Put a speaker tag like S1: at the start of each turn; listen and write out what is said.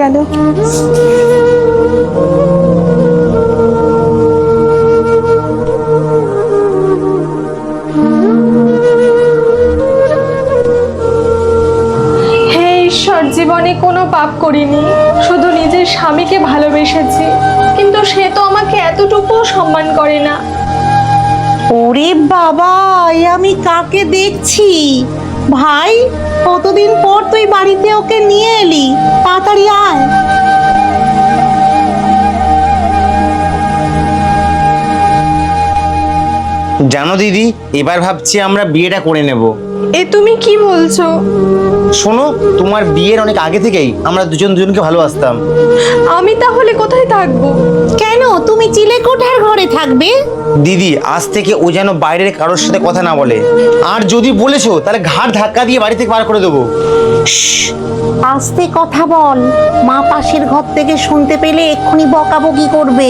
S1: গেল। হে ঈশ্বর, জীবনে কোনো পাপ করিনি, শুধু নিজের স্বামীকে ভালোবেসেছি, কিন্তু সে তো আমাকে এতটুকুও সম্মান করে না।
S2: ওরে বাবা, এ আমি কাকে দেখছি? ভাই, কতদিন পর তুই বাড়িতে ওকে নিয়ে এলি, তাড়াতাড়ি আয়।
S3: জানো দিদি, এবার ভাবছি আমরা বিয়েটা করে নেব।
S1: এ তুমি কি বলছো?
S3: শোনো, তোমার বিয়ের অনেক আগে থেকেই আমরা দুজন দুজনকে ভালোবাসতাম।
S1: আমি তাহলে কোথায় থাকবো?
S2: কেন, তুমি চিলেকোঠার ঘরে থাকবে?
S3: দিদি, আজ থেকে ও যেন বাইরের কারোর সাথে কথা না বলে, আর যদি বলেছো তাহলে ঘাড় ধাক্কা দিয়ে বাড়ি থেকে বার করে দেবো।
S2: আস্তে কথা বল, মা পাশের ঘর থেকে শুনতে পেলে এক্ষুনি বকাবকি করবে।